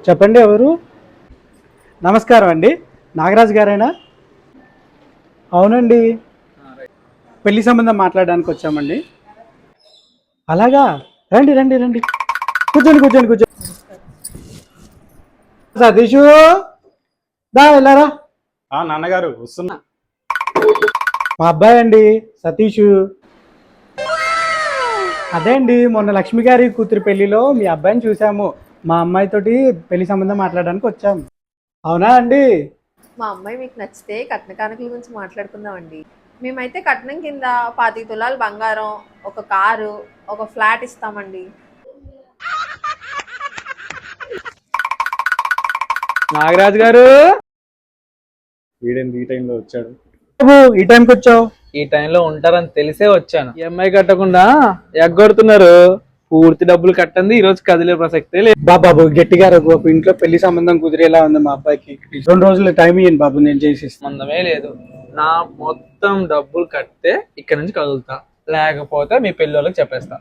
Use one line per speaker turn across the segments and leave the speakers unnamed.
చెప్పండి ఎవరు? నమస్కారం అండి, నాగరాజు గారేనా? అవునండి, పెళ్లి సంబంధం మాట్లాడడానికి వచ్చామండి. అలాగా, రండి రండి రండి, కూర్చోండి కూర్చోండి కూర్చోండి. సతీషు, దా వెళ్ళారా?
నాన్నగారు వస్తున్నా.
మా అబ్బాయి అండి సతీషు. అదే అండి, మొన్న లక్ష్మి గారి కూతురి పెళ్లిలో మీ అబ్బాయిని చూసాము. మా అమ్మాయితోటి పెళ్లి సంబంధం మాట్లాడడానికి వచ్చాము. అవునా అండి?
మా అమ్మాయి మీకు నచ్చితే కట్న కానుకల గురించి మాట్లాడుకుందామండి. మేమైతే కట్నం కింద 25 తులాలు బంగారం, ఒక కారు, ఒక ఫ్లాట్ ఇస్తామండి.
నాగరాజు గారు,
వీడేంది ఈ టైంలో వచ్చాడు?
బాబు, ఈ టైంకి వచ్చావు?
ఈ టైంలో ఉంటారని తెలిసే వచ్చాను. ఈఎంఐ కట్టకుండా ఎగ్గొడుతున్నారు. పూర్తి డబ్బులు కట్టండి, ఈ రోజు కదిలే ప్రసక్తే లేదు.
బాబు గట్టిగా రా బాబు, ఇంట్లో పెళ్లి సంబంధం కుదిరేలా ఉంది మా అబ్బాయికి. 2 రోజులు టైం ఇయ్యండి బాబు, నేను చేసిస్తాను.
సంబంధమే లేదు. నా మొత్తం డబ్బులు కడితే ఇక్కడ నుంచి కదులుతా, లేకపోతే మీ పెళ్లి వాళ్ళకి చెప్పేస్తా.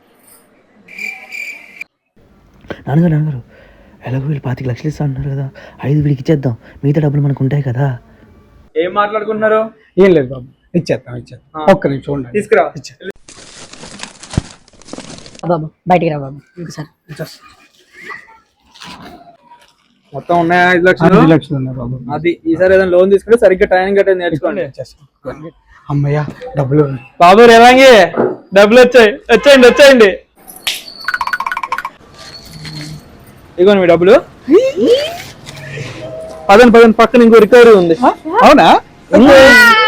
నాన్నగారు ఎలాగో వీళ్ళు 25 లక్షలు ఇస్తా అంటున్నారు కదా, 5 వీడికి ఇచ్చేద్దాం, మిగతా డబ్బులు మనకు ఉంటాయి కదా.
ఏం మాట్లాడుకున్నారు?
ఏం లేదు బాబు, ఇచ్చేస్తాం. ఒక్క నిమిషం చూడండి,
తీసుకురా.
బాబు బయటికి రా బాబు, ఇంకోసారి
మొత్తం ఉన్నాయా 5 లక్షలు?
5 లక్షలు ఉన్నాయి బాబు.
అది ఈసారి ఏదైనా లోన్ తీసుకుంటే సరిగ్గా టైం కట్టేది నేర్చుకోండి.
అమ్మయ్యా, డబ్బులు.
బాబు రేవాంగి, డబ్బులు వచ్చేయండి వచ్చేయండి. ఇగోండి మీ డబ్బులు. పదండి పక్కన ఇంకో రికవరీ ఉంది.
అవునా?